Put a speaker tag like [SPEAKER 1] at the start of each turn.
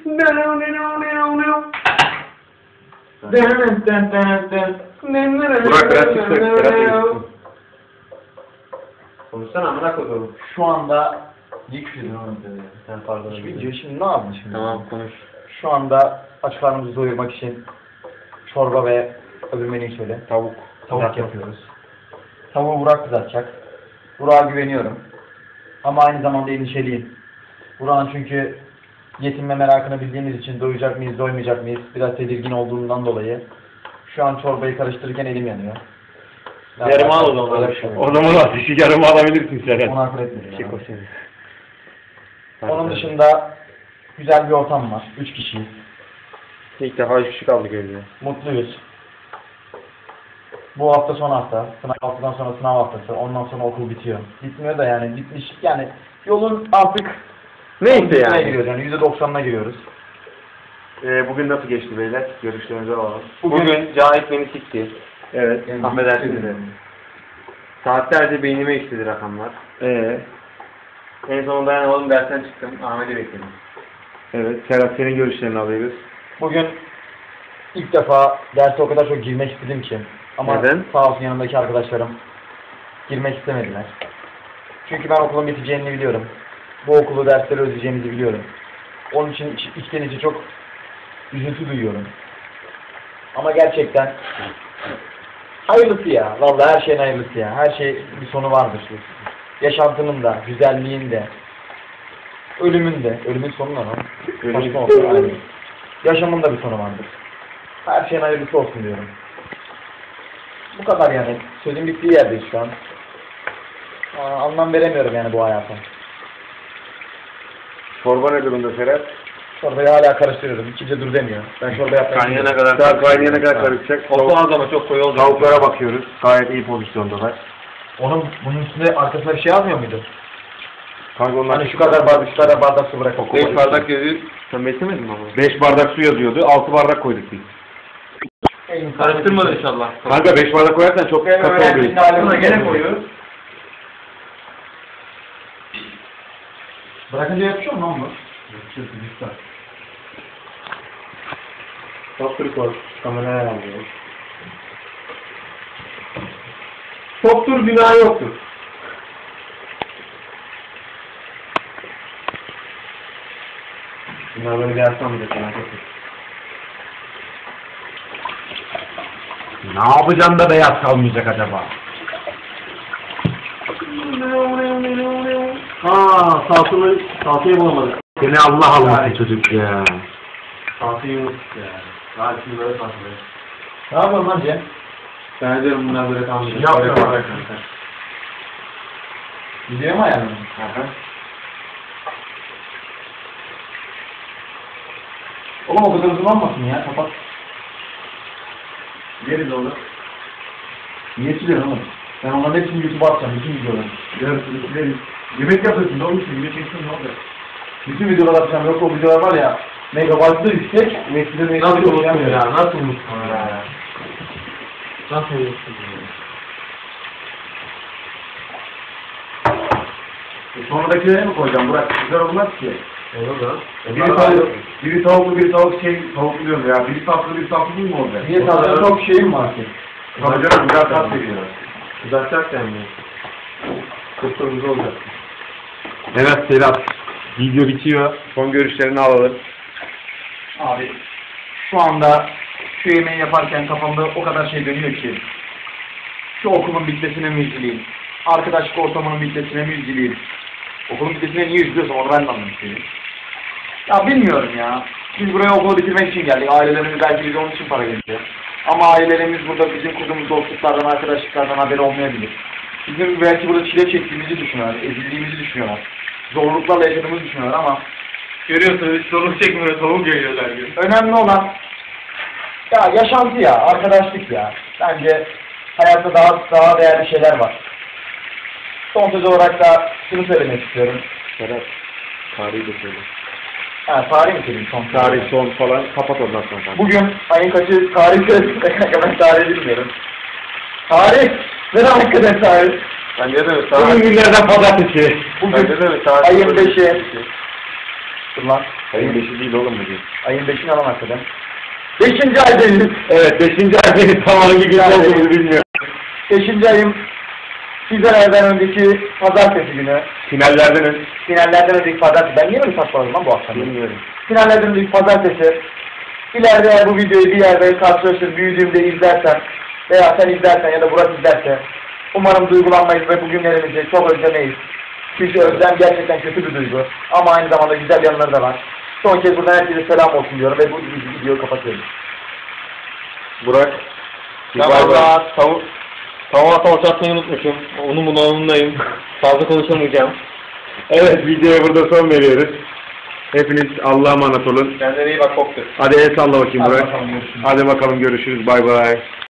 [SPEAKER 1] Burak biraz çıksın.
[SPEAKER 2] Konuşsana amına koyduğum.
[SPEAKER 3] Şu anda sen pardon. Şimdi ne yaptın şimdi?
[SPEAKER 2] Tamam konuş.
[SPEAKER 3] Şu anda aç karnımızı doyurmak için çorba ve öbür menüyü söyle.
[SPEAKER 2] Tavuk.
[SPEAKER 3] Tavuk yapıyoruz. Tavuğu Burak kızartacak. Burak'a güveniyorum. Ama aynı zamanda endişeliyim. Burak'ın çünkü yetinme merakını bildiğimiz için doyacak mıyız, doymayacak mıyız? Biraz tedirgin olduğundan dolayı. Şu an çorbayı karıştırırken elim yanıyor.
[SPEAKER 2] Yarım al o zaman.
[SPEAKER 3] Öyle bir şey yok.
[SPEAKER 1] O zaman ateşi yarım alabilirsin sen.
[SPEAKER 3] Onu akıl etmedim.
[SPEAKER 2] Şey
[SPEAKER 3] ya.
[SPEAKER 2] koşuyor.
[SPEAKER 3] Onun dışında güzel bir ortam var. 3 kişiyiz.
[SPEAKER 2] İlk defa 3 kişi kaldı gözüme.
[SPEAKER 3] Mutluyuz. Bu hafta son hafta. Haftadan sonra sınav haftası. Ondan sonra okul bitiyor. Bitmiyor da yani bitmiş. Yani yolun artık
[SPEAKER 2] Neyse yani.
[SPEAKER 3] giriyoruz yani %90'ına giriyoruz.
[SPEAKER 1] Bugün nasıl geçti beyler? Görüşlerinizi alalım.
[SPEAKER 2] Bugün Cahit beni sikti.
[SPEAKER 1] Evet.
[SPEAKER 2] Affedersiniz. Saatlerce beynime işledi rakamlar. En sonunda dayanamadım dersten çıktım. Ahmet'i bekledim.
[SPEAKER 1] Evet. Serhat senin görüşlerini alıyoruz.
[SPEAKER 3] Bugün ilk defa derse o kadar çok girmek istedim ki. Ama
[SPEAKER 2] Neden?
[SPEAKER 3] sağ olsun yanımdaki arkadaşlarım girmek istemediler. Çünkü ben okulun biteceğini biliyorum. Bu okulu dersleri özleyeceğimizi biliyorum. Onun için içten içe çok üzüntü duyuyorum. Ama gerçekten hayırlısı ya. Vallahi her şeyin hayırlısı ya. Her şey bir sonu vardır. Yaşantının da, güzelliğin de, ölümün de. Ölümün sonu ne lan? Saçma olsun, aynen. Yaşamın da bir sonu vardır. Her şeyin hayırlısı olsun diyorum. Bu kadar yani. Sözün bittiği yerdeyiz şu an. Anlam veremiyorum yani bu hayata.
[SPEAKER 1] Çorba ne durumda Serhat?
[SPEAKER 3] Çorbayı hala karıştırıyorum. Kimse dur demiyor. Ben çorba yapmayı
[SPEAKER 2] Kaynayana kadar.
[SPEAKER 1] Daha kaynayana kadar karışacak.
[SPEAKER 2] O az ama çok koyu olacak.
[SPEAKER 1] Tavuklara bakıyoruz. Gayet iyi pozisyondalar.
[SPEAKER 3] Bunun üstünde arkasına bir şey yazmıyor muydu?
[SPEAKER 1] Kanka onlar
[SPEAKER 3] Hani şu kadar bardak su bırak.
[SPEAKER 2] 5 bardak yazıyor. Sen beslemedin mi ama?
[SPEAKER 1] 5 bardak su yazıyordu. 6 bardak koyduk biz.
[SPEAKER 2] Karıştırmadın inşallah.
[SPEAKER 1] Kanka 5 bardak koyarsan çok katı oluyor.
[SPEAKER 3] Altına gene koyuyoruz. Bırakınca yapışıyor mu lan bu? Yapışıyorsun lütfen.
[SPEAKER 1] Top record. Kameraya alıyoruz.
[SPEAKER 2] Çoktur günah yoktur.
[SPEAKER 1] Bunlar böyle bir yapsamayacak. Ne yapacaksın da beyaz kalmayacak acaba?
[SPEAKER 3] Salçayı bulamadık.
[SPEAKER 1] Seni Allah almasın çocuk ya.
[SPEAKER 3] Salçayı unuttuk ya. Daha şimdi böyle salçayı. Ne yapalım lan Cem?
[SPEAKER 2] Ben diyorum bunlar böyle kalmayacak.
[SPEAKER 3] Yapıyorum. Gidiyor mu ayarladın? Oğlum o kadar uzun olmasın ya, kapat. Yeriz oğlum. Niye siliyorsun oğlum? Ben onların hepsini YouTube'a atacağım, bütün videoları. Yarısını sileriz. Yemek yapıyorsun oğlum, şimdi video çeksin ne olacak? Bütün videolar atacağım, yok o videolar var ya, megabaytlı yüksek,
[SPEAKER 2] Nasıl unuttun ya? Nasıl unuttun ya? Nasıl unuttun ya?
[SPEAKER 3] Sonradakileri mi koyacağım Burak? Güzel olmaz ki.
[SPEAKER 2] Olur da.
[SPEAKER 1] Biri tavuklu, biri tavuklu diyorum ya. Biri tatlı, biri tatlı değil mi orada?
[SPEAKER 3] Niye tatlı çok şeyim var ki?
[SPEAKER 1] Tabii canım, güzel tat veriyorlar.
[SPEAKER 2] Uzatacak yani. Kıpkırmızı olacak.
[SPEAKER 1] Evet Serhat, video bitiyor. Son görüşlerini alalım.
[SPEAKER 3] Abi, şu anda şu yemeği yaparken kafamda o kadar şey dönüyor ki. Şu okulun bitmesine mi üzüleyim? Arkadaşlık ortamının bitmesine mi üzüleyim? Okulun bitmesine niye üzülüyorsam onu ben de anlamış değilim. Ya bilmiyorum ya. Biz buraya okulu bitirmek için geldik. Ailelerimiz belki bize onun için para veriyor. Ama ailelerimiz burada bizim kurduğumuz dostluklardan, arkadaşlıklardan haberi olmayabilir. Bizim belki burada çile çektiğimizi düşünüyorlar, ezildiğimizi düşünüyorlar. Zorluklarla yaşadığımızı düşünüyorlar ama
[SPEAKER 2] Görüyorsunuz hiç sorun çekmiyor, tavuk geliyor her gün.
[SPEAKER 3] önemli olan ya yaşantı ya, arkadaşlık ya. Bence hayatta daha değerli şeyler var. Son söz olarak da şunu söylemek istiyorum.
[SPEAKER 1] Serhat, tarihi de söyle.
[SPEAKER 3] Tarih mi söyleyeyim son?
[SPEAKER 1] Tarih son falan, kapat ondan sonra.
[SPEAKER 3] Bugün ayın kaçı tarih söyleyeyim. Ben tarihi bilmiyorum. Tarih! Ne demek kadar tarih?
[SPEAKER 2] Bence de
[SPEAKER 1] Bugün günlerden pazartesi.
[SPEAKER 3] Bugün ayın 5'i. Dur lan.
[SPEAKER 2] Ayın 5'i değil oğlum bugün.
[SPEAKER 3] Ayın 5'ini alan hakikaten. 5. aydayız.
[SPEAKER 2] Evet 5. aydayız. Tam hangi gün olduğumuzu bilmiyorum.
[SPEAKER 3] 5. ayım Fizelerden önceki pazartesi günü. Finallerden önceki pazartesi. Ben niye böyle saçmaladım lan bu akşam?
[SPEAKER 2] Bilmiyorum.
[SPEAKER 3] Finallerden önceki pazartesi. İleride eğer bu videoyu bir yerde karşılaşır, büyüdüğümde izlersen veya sen izlersen ya da Burak izlerse umarım duygulanmayız ve bugünlerimizi çok özlemeyiz. Çünkü özlem gerçekten kötü bir duygu. Ama aynı zamanda güzel yanları da var. Son kez buradan herkese selam olsun diyorum ve bu videoyu kapatıyorum.
[SPEAKER 2] Burak. Tavuk atmayı unutmuşum. Onun bunalımındayım. Fazla konuşamayacağım.
[SPEAKER 1] Evet, videoya burada son veriyoruz. Hepiniz Allah'a emanet olun.
[SPEAKER 2] Kendine iyi bak, koptu.
[SPEAKER 1] Hadi el salla bakayım
[SPEAKER 3] Hadi
[SPEAKER 1] Burak.
[SPEAKER 3] bakalım, görüşürüz.
[SPEAKER 1] Hadi bakalım görüşürüz. Bay bay.